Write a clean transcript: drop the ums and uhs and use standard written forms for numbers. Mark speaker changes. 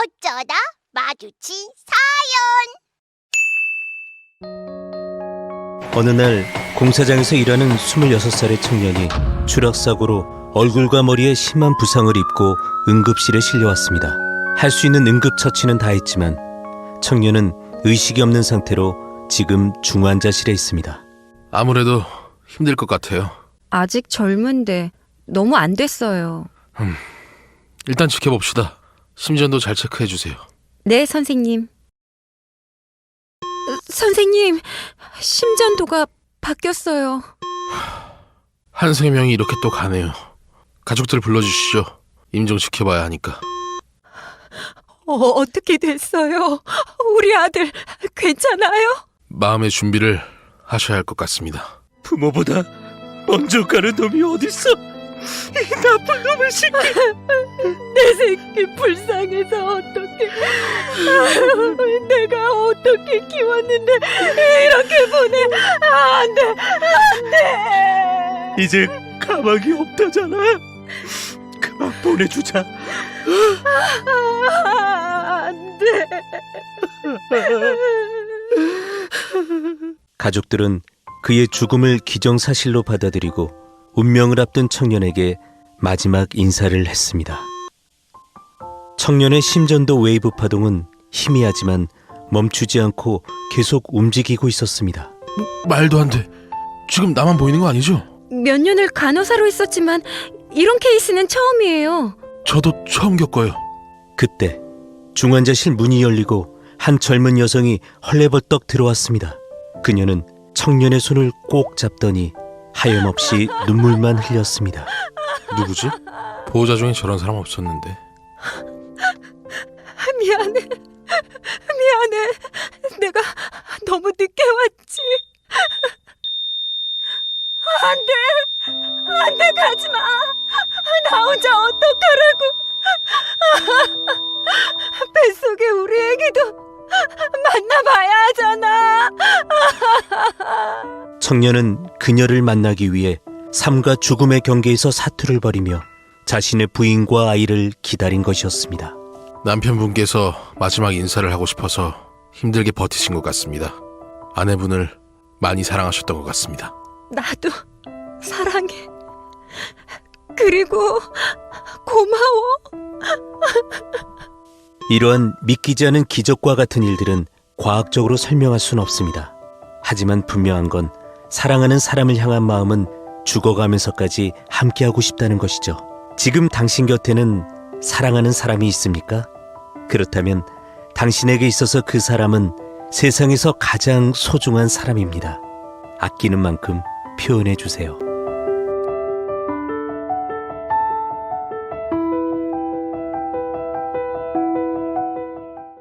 Speaker 1: 어쩌다 마주친
Speaker 2: 어느 날 공사장에서 일하는 26살의 청년이 추락사고로 얼굴과 머리에 심한 부상을 입고 응급실에 실려왔습니다. 할 수 있는 응급처치는 다 했지만 청년은 의식이 없는 상태로 지금 중환자실에 있습니다.
Speaker 3: 아무래도 힘들 것 같아요.
Speaker 4: 아직 젊은데 너무 안 됐어요.
Speaker 3: 일단 지켜봅시다. 심전도 잘 체크해주세요.
Speaker 4: 네, 선생님. 선생님, 심전도가 바뀌었어요.
Speaker 3: 한3 명이 이렇게 또 가네요. 가족들 불러주시죠. 임종 지켜봐야 하니까.
Speaker 4: 어떻게 됐어요? 우리 아들 괜찮아요?
Speaker 3: 마음의 준비를 하셔야 할 것 같습니다.
Speaker 2: 부모보다 먼저 가는 놈이 어딨어? 이 나쁜 놈의 새끼!
Speaker 4: 내 새끼 불쌍해서 어떡해. 내가 어떻게 키웠는데 이렇게 보내. 안 돼, 안 돼.
Speaker 2: 이제 가망이 없다잖아. 그만 보내주자.
Speaker 4: 안 돼.
Speaker 2: 가족들은 그의 죽음을 기정사실로 받아들이고 운명을 앞둔 청년에게 마지막 인사를 했습니다. 청년의 심전도 웨이브 파동은 희미하지만 멈추지 않고 계속 움직이고 있었습니다.
Speaker 3: 말도 안 돼. 지금 나만 보이는 거 아니죠?
Speaker 4: 몇 년을 간호사로 있었지만 이런 케이스는 처음이에요.
Speaker 3: 저도 처음 겪어요.
Speaker 2: 그때 중환자실 문이 열리고 한 젊은 여성이 헐레벌떡 들어왔습니다. 그녀는 청년의 손을 꼭 잡더니 하염없이 눈물만 흘렸습니다.
Speaker 3: 누구지? 보호자 중에 저런 사람 없었는데.
Speaker 4: 미안해. 미안해. 내가 너무 늦게 왔지. 안 돼. 안 돼. 가지 마. 나 혼자 어떡하라고. 뱃속에 우리 애기도 만나봐야 하잖아.
Speaker 2: 청년은 그녀를 만나기 위해 삶과 죽음의 경계에서 사투를 벌이며 자신의 부인과 아이를 기다린 것이었습니다.
Speaker 3: 남편분께서 마지막 인사를 하고 싶어서 힘들게 버티신 것 같습니다. 아내분을 많이 사랑하셨던 것 같습니다.
Speaker 4: 나도 사랑해. 그리고 고마워.
Speaker 2: 이러한 믿기지 않은 기적과 같은 일들은 과학적으로 설명할 수는 없습니다. 하지만 분명한 건 사랑하는 사람을 향한 마음은 죽어가면서까지 함께하고 싶다는 것이죠. 지금 당신 곁에는 사랑하는 사람이 있습니까? 그렇다면 당신에게 있어서 그 사람은 세상에서 가장 소중한 사람입니다. 아끼는 만큼 표현해 주세요.